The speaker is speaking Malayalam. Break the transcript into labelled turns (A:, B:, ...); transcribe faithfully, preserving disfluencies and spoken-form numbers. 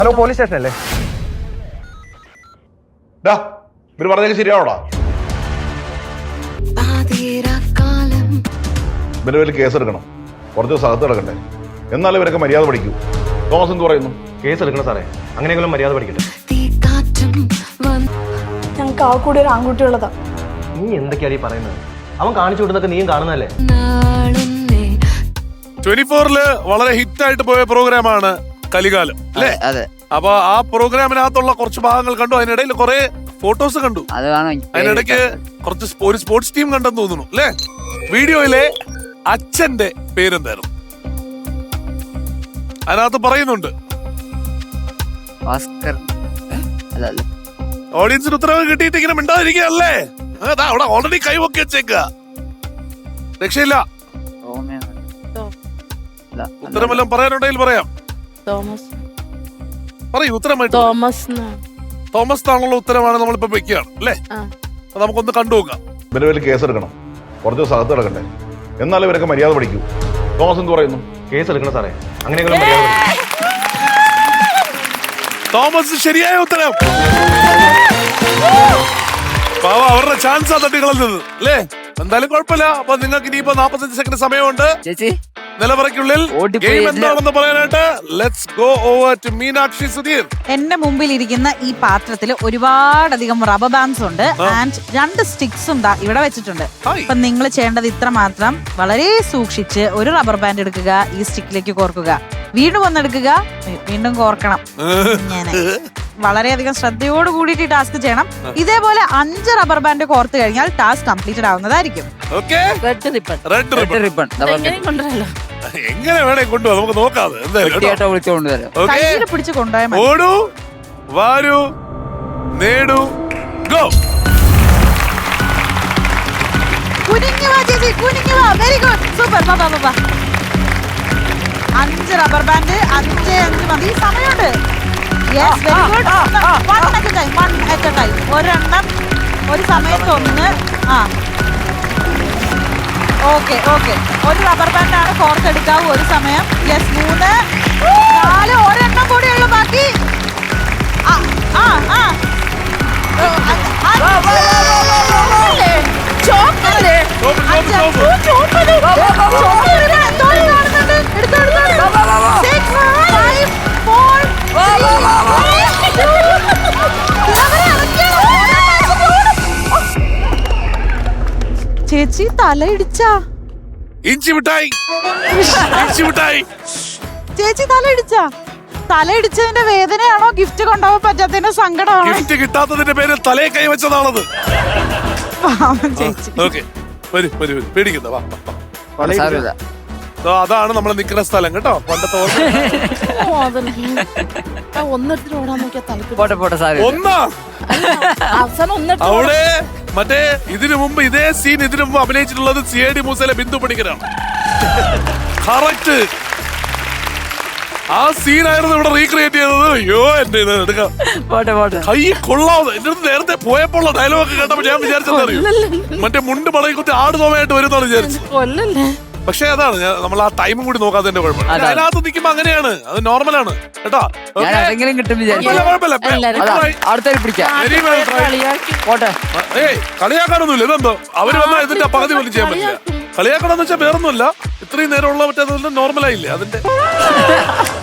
A: ഹലോ പോലീസ് സ്റ്റേഷൻ അല്ലേ?
B: ഇവര് പറഞ്ഞേക്ക് ശരിയാണോടാ? ഇവര് വലിയ കേസ് എടുക്കണം, കുറച്ച് ദിവസം അകത്ത് കിടക്കണ്ടേ, എന്നാലും ഇവരൊക്കെ മര്യാദ പഠിക്കൂ. തോമസ് എന്ത് പറയുന്നു?
A: കേസ് എടുക്കണം സാറേ, അങ്ങനെയെങ്കിലും മര്യാദ പഠിക്കട്ടെ.
C: ഞങ്ങൾക്ക് ആ കൂടി ഒരു ആൺകുട്ടിയുള്ളതാ.
A: നീ എന്തൊക്കെയാണ് ഈ പറയുന്നത്? അവൻ കാണിച്ചു വിടുന്നൊക്കെ നീയും കാണുന്നതല്ലേ?
D: ട്വന്റി ഫോറില് വളരെ ഹിറ്റ് ആയിട്ട് പോയ പ്രോഗ്രാമാണ് കലികാലം അല്ലേ?
E: അതെ.
D: അപ്പൊ ആ പ്രോഗ്രാമിനകത്തുള്ള കുറച്ച് ഭാഗങ്ങൾ കണ്ടു, അതിനിടയിൽ കുറെ ഫോട്ടോസ് കണ്ടു, അതിനിടയ്ക്ക് കുറച്ച് ഒരു സ്പോർട്സ് ടീം കണ്ടെന്ന് തോന്നുന്നു അല്ലേ? വീഡിയോയിലെ അച്ഛന്റെ പേരെന്തായിരുന്നു? അതിനകത്ത് പറയുന്നുണ്ട്. ഓഡിയൻസിന് ഉത്തരവ് കിട്ടിയിട്ട് ഇങ്ങനെ മിണ്ടാതിരിക്കുകയല്ലേ? അതാ അവിടെ ഓൾറെഡി കൈവൊക്കെ വെച്ചേക്ക, രക്ഷയില്ല. ഉത്തരമെല്ലാം പറയാനുണ്ടെങ്കിൽ പറയാം. പറയൂ ഉത്തരമായിട്ട്. തോമസ് താണുള്ള ഉത്തരമാണ് നമ്മളിപ്പോ വെക്കുകയാണ് അല്ലേ? നമുക്കൊന്ന് കണ്ടു നോക്കാം.
B: ഇവര് വലിയ കേസ് എടുക്കണം, കുറച്ച് ദിവസം അകത്ത് കിടക്കണ്ടേ, എന്നാലും ഇവരൊക്കെ മര്യാദ പഠിക്കൂ. തോമസ് എന്ത് പറയുന്നു?
A: കേസ് എടുക്കണം സാറേ, അങ്ങനെയെങ്കിലും മര്യാദ പഠിക്കട്ടെ.
D: തോമസ് ശരിയായ ഉത്തരം. പാവ അവരുടെ ചാൻസ് ആ തട്ടിക്കളഞ്ഞത് അല്ലേ? എന്തായാലും കുഴപ്പമില്ല. അപ്പൊ നിങ്ങൾക്ക് ഇനിയിപ്പോ നാപ്പത്തഞ്ച് സെക്കൻഡ് സമയമുണ്ട് നിലവറയ്ക്കുള്ളിൽ ഗെയിം എന്താണെന്ന് പറയാനായിട്ട്. Let's go over to Meenakshi Sudheer.
F: എന്റെ മുമ്പിൽ ഇരിക്കുന്ന ഈ പാത്രത്തിൽ ഒരുപാടധികം റബ്ബർ ബാൻഡ്സ് ഉണ്ട് ആൻഡ് രണ്ട് സ്റ്റിക്സും ഇവിടെ വെച്ചിട്ടുണ്ട്. അപ്പൊ നിങ്ങൾ ചെയ്യേണ്ടത് ഇത്ര മാത്രം, വളരെ സൂക്ഷിച്ച് ഒരു റബ്ബർ ബാൻഡ് എടുക്കുക, ഈ സ്റ്റിക്കിലേക്ക് കോർക്കുക, വീണ്ടും ഒന്നെടുക്കുക, വീണ്ടും കോർക്കണം. ഇങ്ങനെ വളരെയധികം ശ്രദ്ധയോട് കൂടിയിട്ട് ടാസ്ക് ചെയ്യണം. ഇതേപോലെ അഞ്ച് റബ്ബർ ബാൻഡ് കോർത്ത് കഴിഞ്ഞാൽ ടാസ്ക് കംപ്ലീറ്റഡ് ആവുന്നതായിരിക്കും.
D: എങ്ങനെ വേണേ കൊണ്ടുപോകാം, നമുക്ക് നോക്കാം.
F: കയ്യിൽ പിടിച്ച് കൊണ്ടുപോയാൽ
D: ഓടൂ, വാരൂ, നേടൂ, ഗോ.
F: കുനിഞ്ഞു വാ ചേച്ചി, കുനിഞ്ഞു വാ. Very good, super. ബാ ബാ ബാ. അഞ്ച് റബ്ബർ ബാൻഡ്, അഞ്ച് അഞ്ച് മതി, സമയമുണ്ട്. Yes, very good. One at a time, one at a time. ഒരെണ്ണം ഒരു സമയത്ത് ഒന്ന്. ആ ഓക്കെ ഓക്കെ. ഒരു റബ്ബർ ബാൻഡ് ആണ് കോർത്തെടുക്കാവൂ ഒരു സമയം. യെസ്, മൂന്ന്, നാല്, ഒരെണ്ണം കൂടിയുള്ളൂ ബാക്കി. ആ ആ ആ ചേച്ചി തല ഇടിച്ചാ?
D: ഇഞ്ചി മിഠായി, ഇഞ്ചി മിഠായി.
F: ചേച്ചി തല ഇടിച്ചാ? തല ഇടിച്ചതിന്റെ വേദനയാണോ ഗിഫ്റ്റ് കൊണ്ടുപോകാൻ പറ്റാത്തതിന്റെ സങ്കടമാണോ?
D: ഗിഫ്റ്റ് കിട്ടാത്തതിന്റെ പേര് തലയെ കൈവച്ചതാണത്.
F: ചേച്ചി
D: ഓക്കെ, പേടിക്കുന്ന വാ. അതാണ് നമ്മൾ നിൽക്കുന്ന സ്ഥലം കേട്ടോ. പണ്ടത്തെ ഒന്നാ അവിടെ മറ്റേ ഇതിനു മുമ്പ് ഇതേ സീൻ ഇതിനു മുമ്പ് അഭിനയിച്ചിട്ടുള്ളത് സി ഐ ഡി മൂസയിലെ ബിന്ദു പണിക്കരാണ്. കറക്റ്റ് ആ സീനായിരുന്നു ഇവിടെ റീക്രിയേറ്റ് ചെയ്തത്. അയ്യോ എന്റെ ഇത് എടുക്കാം, കൈ കൊള്ളാവുന്ന. എന്റെ അടുത്ത് നേരത്തെ പോയപ്പോൾ ഡയലോഗ് കേട്ടപ്പോ ഞാൻ വിചാരിച്ചത് അറിയൂ, മറ്റേ മുണ്ട് മടങ്ങി കുത്തി ആട് തോമയായിട്ട് വരുന്നാണ് വിചാരിച്ചത്. പക്ഷെ അതാണ് നമ്മൾ ആ ടൈമും കൂടി നോക്കാത്തതിന്റെ കുഴപ്പമില്ല. അതിനകത്ത് നിൽക്കുമ്പോ അങ്ങനെയാണ്, അത് നോർമലാണ് കേട്ടോ. ഏയ് കളിയാക്കാനൊന്നുമില്ല. ഇതെന്തോ അവര് വന്നാൽ ഇതിന്റെ പകുതി പോലും ചെയ്യാൻ പറ്റില്ല. കളിയാക്കണമെന്ന് വെച്ചാൽ വേറൊന്നുമില്ല, ഇത്രയും നേരമുള്ള മറ്റേ നോർമലായില്ലേ അതിന്റെ